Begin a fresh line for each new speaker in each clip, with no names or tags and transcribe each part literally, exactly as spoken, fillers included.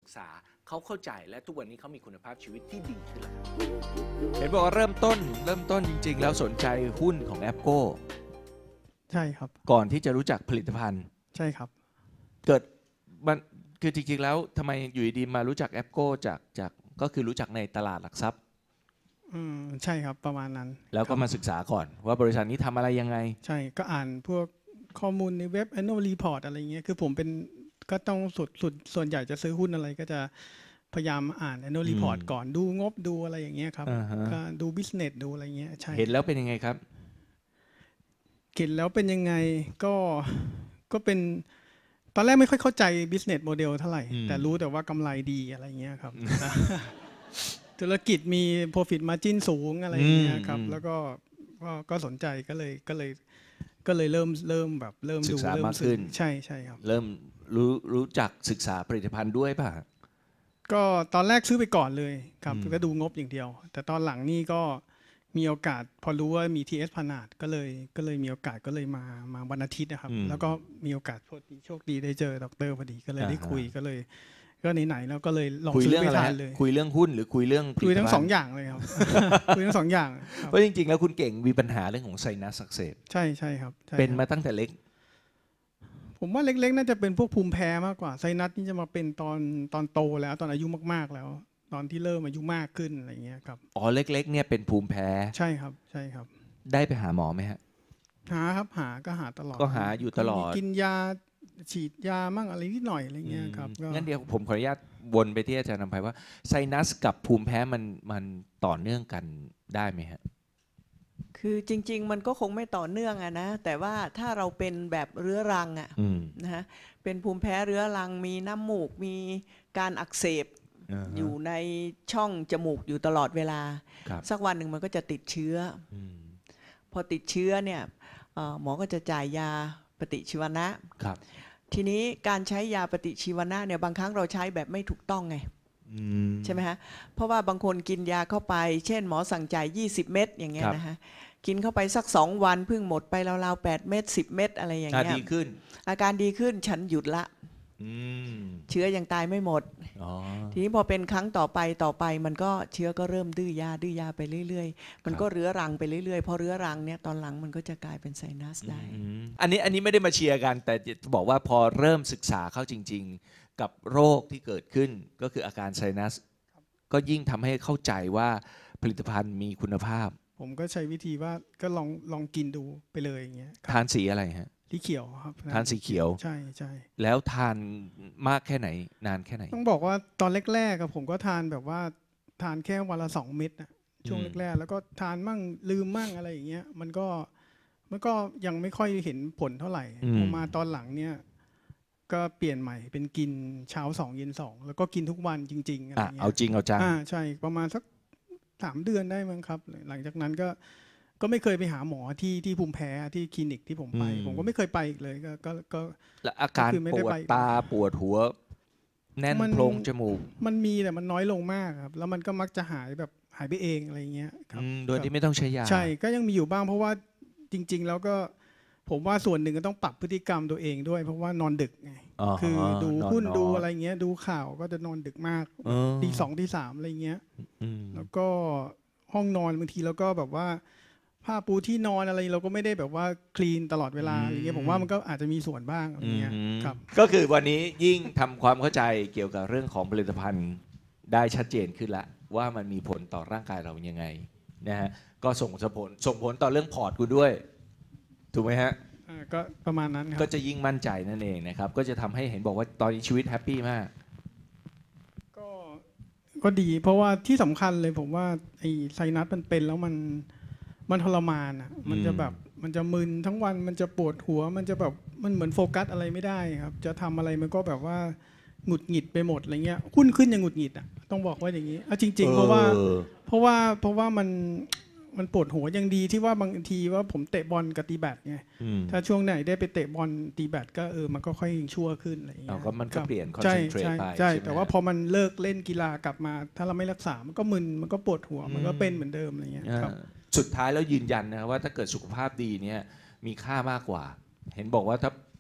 ษาเขาเข้าใจและทุกวันนี้เขามีคุณภาพชีวิตที่ดีขึ้นแล้ว
เห็นบอกว่าเริ่มต้นเริ่มต้นจริงๆแล้วสนใจหุ้นของแอปโก้
ใช่ครับ
ก่อนที่จะรู้จักผลิตภัณฑ์
ใช่ครับ
เกิดมันคือจริงๆแล้วทำไมอยู่ดีๆมารู้จักแอปโก้จากจากก็คือรู้จักในตลาดหลักทรัพย์
อืมใช่ครับประมาณนั้น
แล้วก็มาศึกษาก่อนว่าบริษัทนี้ทำอะไรยังไง
ใช่ก็อ่านพวกข้อมูลในเว็บ annual report อะไรเงี้ยคือผมเป็นก็ต้องสุดสุดส่วนใหญ่จะซื้อหุ้นอะไรก็จะพยายามอ่าน annual report ก่อนดูงบดูอะไรอย่างเงี้ยครับก็ดู business ดูอะไรเงี้ยใช่
เห็นแล้วเป็นยังไงครับ
เห็นแล้วเป็นยังไงก็ก็เป็นตอนแรกไม่ค่อยเข้าใจ business model เท่าไหร่แต่รู้แต่ว่ากำไรดีอะไรเงี้ยครับธุรกิจมี profit margin สูงอะไรอย่างเงี้ยครับแล้วก็ก็สนใจก็เลยก็เลยก็เลยเริ่มเริ่มแบบเริ่มดู
เริ่มขึ้น
ใช่ใช่ครับ
เริ่มรู้รู้จักศึกษาผลิตภัณฑ์ด้วยป่ะ
ก็ตอนแรกซื้อไปก่อนเลยครับก็ดูงบอย่างเดียวแต่ตอนหลังนี่ก็มีโอกาสพอรู้ว่ามี ที เอส พนาดก็เลยก็เลยมีโอกาสก็เลยมามาวันอาทิตย์นะครับแล้วก็มีโอกาสโชคดีได้เจอดร.พอดีก็เลยได้คุยก็เลยก็ไหนๆแล้วก็เลยลองซื้อไปทานเลย
คุยเรื่องหุ้นหรือคุยเรื่อง
คุยทั้งสองอย่างเลยครับคุยทั้งสองอย่าง
เพราะจริงๆแล้วคุณเก่งมีปัญหาเรื่องของไซนัสอักเสบ
ใช่ใช่ครับ
เป็นมาตั้งแต่เล็ก
ผมว่าเล็กๆน่าจะเป็นพวกภูมิแพ้มากกว่าไซนัสนี่จะมาเป็นตอนตอนโตแล้วตอนอายุมากๆแล้วตอนที่เริ่มอายุมากขึ้นอะไรเงี้ยครับ
อ๋อเล็กๆเนี่ยเป็นภูมิแพ้
ใช่ครับใช่ครับ
ได้ไปหาหมอไหมฮะ
หาครับหาก็หาตลอด
ก็หาอยู่ตลอด
กินยาฉีดยามั่งอะไรนิดหน่อยอะไรเงี้ยครับ
งั้นเดี๋ยวผมขออนุญาตวนไปที่อาจารย์นำไพว่าไซนัสกับภูมิแพ้มันมันต่อเนื่องกันได้ไหมฮะ
คือจริงๆมันก็คงไม่ต่อเนื่องอะนะแต่ว่าถ้าเราเป็นแบบเรื้อรังอะนะฮะเป็นภูมิแพ้เรื้อรังมีน้ำมูกมีการอักเสบ uh-huh. อยู่ในช่องจมูกอยู่ตลอดเวลาสักวันหนึ่งมันก็จะติดเชื้อพอติดเชื้อเนี่ยหมอก็จะจ่ายยาปฏิชีวนะทีนี้การใช้ยาปฏิชีวนะเนี่ยบางครั้งเราใช้แบบไม่ถูกต้องไงใช่ไหมฮะเพราะว่าบางคนกินยาเข้าไปเช่นหมอสั่งจ่ายยี่สิบเม็ดอย่างเงี้ยนะฮะกินเข้าไปสักสองวันเพิ่งหมดไปราวๆแปดเม็ดสิบเม็ดอะไรอย่างเงี้ย
ดีขึ้น
อาการดีขึ้นฉันหยุดละเชื้อยังตายไม่หมดทีนี้พอเป็นครั้งต่อไปต่อไปมันก็เชื้อก็เริ่มดื้อยาดื้อยาไปเรื่อยๆมันก็เรื้อรังไปเรื่อยๆพอเรื้อรังเนี่ยตอนหลังมันก็จะกลายเป็นไซนัสได้
อันนี้อันนี้ไม่ได้มาเชียร์กันแต่จะบอกว่าพอเริ่มศึกษาเข้าจริงๆกับโรคที่เกิดขึ้นก็คืออาการไซนัสก็ยิ่งทำให้เข้าใจว่าผลิตภัณฑ์มีคุณภาพ
ผมก็ใช้วิธีว่าก็ลองลองกินดูไปเลยอย่างเงี้ย
ทานสีอะไรฮะ
สีเขียวครับ
ทานสีเขียว
ใช่ใช่
แล้วทานมากแค่ไหนนานแค่ไหน
ต้องบอกว่าตอนแรกๆผมก็ทานแบบว่าทานแค่วันละสองเม็ดนะช่วงแรกๆแล้วก็ทานมั่งลืมมั่งอะไรอย่างเงี้ยมันก็มันก็ยังไม่ค่อยเห็นผลเท่าไหร่พอมาตอนหลังเนี่ยก็เปลี่ยนใหม่เป็นกินเช้าสองเย็นสองแล้วก็กินทุกวันจริงๆอะไรเงี้ย
เอาจริงเอาจัง
อ่าใช่ประมาณสักสามเดือนได้มั้งครับหลังจากนั้นก็ก็ไม่เคยไปหาหมอที่ที่ภูมิแพ้ที่คลินิกที่ผมไปผมก็ไม่เคยไปอีกเลยก็ก็ก็
แล้วอาการปวดตาปวดหัวแน่นโพรงจมูก
มันมีแต่มันน้อยลงมากครับแล้วมันก็มักจะหายแบบหายไปเองอะไรเงี้ยครับ
โดยที่ไม่ต้องใช้ยา
ใช่ก็ยังมีอยู่บ้างเพราะว่าจริงๆแล้วก็ผมว่าส่วนหนึ่งก็ต้องปรับพฤติกรรมตัวเองด้วยเพราะว่านอนดึกไงคือดูหุ้นดูอะไรเงี้ยดูข่าวก็จะนอนดึกมากตีสองตีสามอะไรเงี้ยแล้วก็ห้องนอนบางทีแล้วก็แบบว่าผ้าปูที่นอนอะไรเราก็ไม่ได้แบบว่าคลีนตลอดเวลาอะไรเงี้ยผมว่ามันก็อาจจะมีส่วนบ้างอะไรเงี้ยครับ
ก็คือวันนี้ยิ่งทำความเข้าใจเกี่ยวกับเรื่องของผลิตภัณฑ์ได้ชัดเจนขึ้นละว่ามันมีผลต่อร่างกายเรายังไงนะฮะก็ส่งผลส่งผลต่อเรื่องพอร์ตคุณด้วยถูกไหมฮะ
ก็ประมาณนั้นครับ
ก็จะยิ่งมั่นใจนั่นเองนะครับก็จะทำให้เห็นบอกว่าตอนนี้ชีวิตแฮปปี้มาก
ก็ก็ดีเพราะว่าที่สำคัญเลยผมว่าไอ้ไซนัสมันเป็นแล้วมันมันทรมานอ่ะมันจะแบบมันจะมึนทั้งวันมันจะปวดหัวมันจะแบบมันเหมือนโฟกัสอะไรไม่ได้ครับจะทำอะไรมันก็แบบว่าหงุดหงิดไปหมดอะไรเงี้ยหุ้นขึ้นยังหงุดหงิดอ่ะต้องบอกว่าอย่างนี้อ่ะจริงๆเพราะว่าเพราะว่าเพราะว่ามันมันปวดหัวยังดีที่ว่าบางทีว่าผมเตะบอลกับตีแบดไงถ้าช่วงไหนได้ไปเตะบอลตีแบดก็เออมันก็ค่อยชั่วขึ้นอะไรอย่างเงี้ย
ก็มันก็เปลี่ยนคอน
เซ
นเทรตไป
ใช่แต่ว่าพอมันเลิกเล่นกีฬากลับมาถ้าเราไม่รักษามันก็มึนมันก็ปวดหัวมันก็เป็นเหมือนเดิมอะไรเงี้ยครับ
สุดท้ายแล้วยืนยันนะว่าถ้าเกิดสุขภาพดีเนี่ยมีค่ามากกว่าเห็นบอกว่าถ้า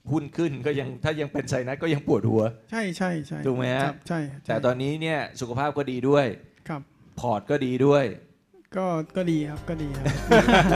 หุ้นขึ้นก็ยังถ้ายังเป็นไซนัสก็ยังปวดหัว
ใช่ใช่ใช่
ถูกไหมฮะ
ครับใช่ใช่
แต่ตอนนี้เนี่ยสุขภาพก็ดีด้วย
ครับ
พอร์ตก็ดีด้วย
ก็ก็ดีครับก็ดีครับ